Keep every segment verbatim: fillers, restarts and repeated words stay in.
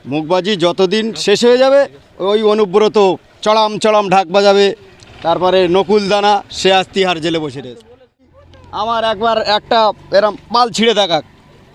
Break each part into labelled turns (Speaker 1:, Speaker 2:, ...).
Speaker 1: মুখবাজি যতদিন শেষ হয়ে যাবে ওই অনুব্রত চড়াম চড়াম ঢাক বাজাবে, তারপরে নকুল দানা সে আজ তিহার জেলে বসে রয়েছে। আমার একবার একটা এরম পাল ছিঁড়ে দেখাক,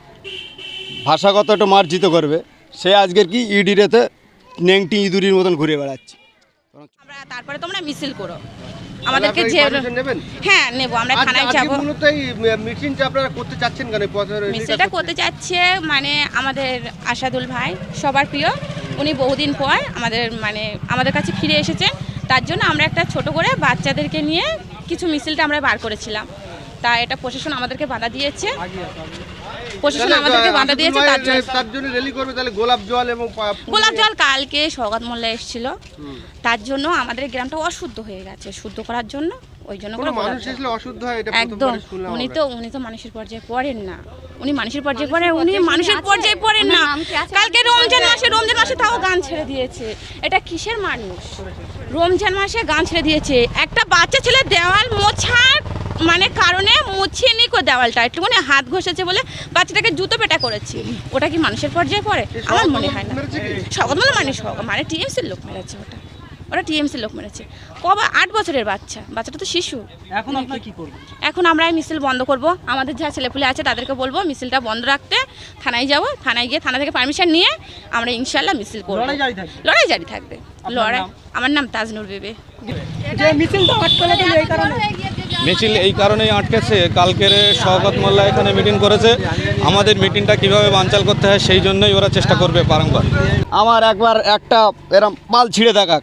Speaker 1: ভাষাগত একটু মার্জিত করবে, সে আজকের কি ইডিরেতে নেংটি ইঁদুরির মতন ঘুরে বেড়াচ্ছে।
Speaker 2: আমরা তারপরে তোমরা মিছিল করো আমাদেরকে যে হ্যাঁ নেব, আমরা থানায় যাব।
Speaker 3: মূলত এই মিটিংটা আপনারা করতে চাচ্ছেন কেন?
Speaker 2: মিছিলটা করতে চাচ্ছে মানে আমাদের আশাদুল ভাই সবার প্রিয়, উনি বহুদিন পর আমাদের মানে আমাদের কাছে ফিরে এসেছেন, তার জন্য আমরা একটা ছোট করে বাচ্চাদেরকে নিয়ে কিছু মিছিলটা আমরা বার করেছিলাম। তা এটা প্রশাসন আমাদেরকে বাধা দিয়েছে, প্রশাসন আমাদেরকে বাধা দিয়েছে, তার জন্য
Speaker 3: তার জন্য র্যালি করবে। তাহলে গোলাপ জল এবং
Speaker 2: গোলাপ জল কালকে সওগাত মোল্লা এসেছিল, তার জন্য আমাদের গ্রামটা অশুদ্ধ হয়ে গেছে, শুদ্ধ করার জন্য ওই জন্য করে
Speaker 3: মানুষ আসলে অশুদ্ধ হয় এটা
Speaker 2: একদম। উনি তো উনি তো মানুষের পর্যায়ে পড়েন না, উনি মানুষের পর্যায়ে পড়েন, উনি মানুষের পর্যায়ে পড়েন না। কালকে রমজান মাসে রমজান মাসে তাও গান ছেড়ে দিয়েছে, এটা কিসের মানুষ? রমজান মাসে গান ছেড়ে দিয়েছে, একটা বাচ্চা ছেলে দেওয়াল মোছার মানে কারণে মুছিয়ে নি কো দেওয়ালটা একটুখানি হাত ঘষেছে বলে বাচ্চাটাকে জুতো পেটা করেছে, ওটা কি মানুষের পর্যায়ে পড়ে? আমার মনে হয় না। সওগাত মোল্লা মানে সওগাত মানে টিএমসির লোক মেরেছে, ওটা ওরা টিএমসির লোক মেরেছে। কবা আট বছরের বাচ্চা, বাচ্চাটা তো শিশু।
Speaker 4: এখন আপনারা কি করবেন?
Speaker 2: এখন আমরা এই মিছিল বন্ধ করব, আমাদের যা ছেলেপুলে আছে তাদেরকে বলবো মিছিলটা বন্ধ রাখতে। থানায় যাব, থানায় গিয়ে থানা থেকে পারমিশন নিয়ে আমরা ইনশাল্লাহ মিছিল করব।
Speaker 4: লড়াই জারি থাকবে?
Speaker 2: লড়াই জারি থাকবে। লড়াই আমার নাম তাজনুর বিবি।
Speaker 4: যে মিছিলটা আটকানো দিল এই কারণে?
Speaker 5: মিছিল এই কারণেই আটকেছে, কালকের সওগাত মোল্লা এখানে মিটিং করেছে, আমাদের মিটিংটা কিভাবে বানচাল করতে হয় সেই জন্যই ওরা চেষ্টা করবে বারংবার।
Speaker 1: আমার একবার একটা এরম পাল ছিঁড়ে দেখাক,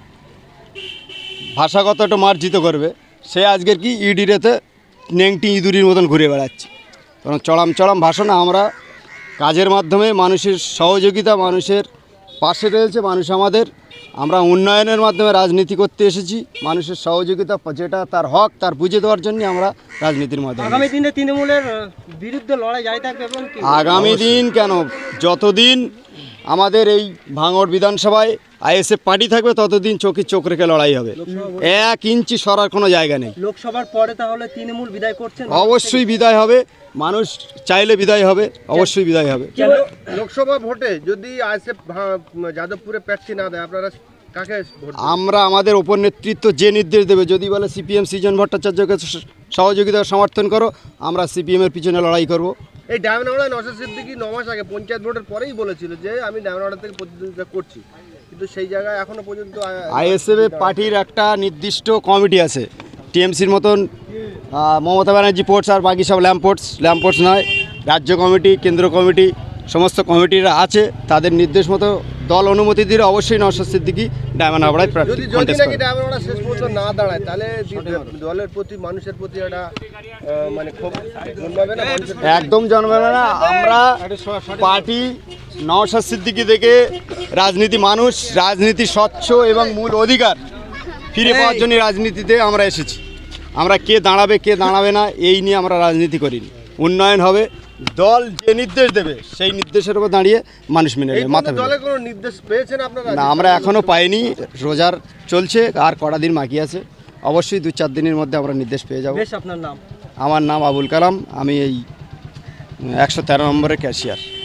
Speaker 1: ভাষাগত একটু মার্জিত করবে, সে আজকের কি ইডিরেতে নেংটি ইঁদুরির মতন ঘুরে বেড়াচ্ছে। কারণ চড়াম চড়াম ভাষণ, আমরা কাজের মাধ্যমে মানুষের সহযোগিতা, মানুষের পাশে রয়েছে মানুষ আমাদের, আমরা উন্নয়নের মাধ্যমে রাজনীতি করতে এসেছি, মানুষের সহযোগিতা যেটা তার হক তার বুঝে দেওয়ার জন্য আমরা রাজনীতির মাধ্যমে।
Speaker 4: আগামী দিনে তৃণমূলের বিরুদ্ধে লড়াই জারি থাকবে এবং
Speaker 1: আগামী দিন কেন, যতদিন আমাদের এই ভাঙড় বিধানসভায় আইএসএফ পার্টি থাকবে ততদিন চোখে চোখ রেখে লড়াই হবে, এক ইঞ্চি সরার কোনো জায়গা নেই।
Speaker 4: লোকসভার পরে তাহলে তৃণমূল বিদায় করছেন?
Speaker 1: অবশ্যই বিদায় হবে, মানুষ চাইলে বিদায় হবে, অবশ্যই বিদায় হবে।
Speaker 3: লোকসভা ভোটে যদি আইএসএফ যাদবপুরে প্রার্থী না দেয় আপনারা কাকে ভোট দেবেন?
Speaker 1: আমরা আমাদের ওপর নেতৃত্ব যে নির্দেশ দেবে, যদি বলে সিপিএম সৃজন ভট্টাচার্যকে সহযোগিতা সমর্থন করো, আমরা সিপিএমের পিছনে লড়াই করব।
Speaker 3: এই ডায়মন্ডহাওড়ায় নওশাদ সিদ্দিকী ন মাস আগে পঞ্চায়েত ভোটের পরেই বলেছিল যে আমি ডায়মন্ডহাওড়া থেকে প্রতিদ্বন্দ্বিতা করছি, কিন্তু সেই জায়গায় এখনো পর্যন্ত
Speaker 1: আইএসএফ পার্টির একটা নির্দিষ্ট কমিটি আছে, টিএমসির মতন মমতা ব্যানার্জি পোর্টস আর বাকি সব ল্যাম্পোর্টস ল্যাম্পোর্টস নয়, রাজ্য কমিটি কেন্দ্র কমিটি সমস্ত কমিটিরা আছে, তাদের নির্দেশ মতো দল অনুমতি দিলে অবশ্যই নওশাদ সিদ্দিকী ডায়মন্ডহাওড়ায়
Speaker 3: যদি যদি নাকি ডায়মন্ডহাওড়া শেষ পর্যন্ত না দাঁড়ায়, তাহলে দলের প্রতি মানুষের প্রতি একটা মানে খুব জন্মাবে না?
Speaker 1: একদম জন্মাবে না। আমরা পার্টি নওশাদ সিদ্দিকী থেকে রাজনীতি, মানুষ রাজনীতি স্বচ্ছ এবং মূল অধিকার ফিরে পাওয়ার জন্য রাজনীতিতে আমরা এসেছি। আমরা কে দাঁড়াবে কে দাঁড়াবে না এই নিয়ে আমরা রাজনীতি করিনি। উন্নয়ন হবে, দল যে নির্দেশ দেবে সেই নির্দেশের উপর দাঁড়িয়ে মানুষ মেনে নেবে। মাথা
Speaker 3: দলে কোনো নির্দেশ পেয়েছেন আপনারা?
Speaker 1: না, আমরা এখনও পাইনি, রোজার চলছে আর কটা দিন বাকি আছে, অবশ্যই দু চার দিনের মধ্যে আমরা নির্দেশ পেয়ে যাব।
Speaker 4: আপনার নাম?
Speaker 1: আমার নাম আবুল কালাম, আমি এই একশো তেরো নম্বরের ক্যাশিয়ার।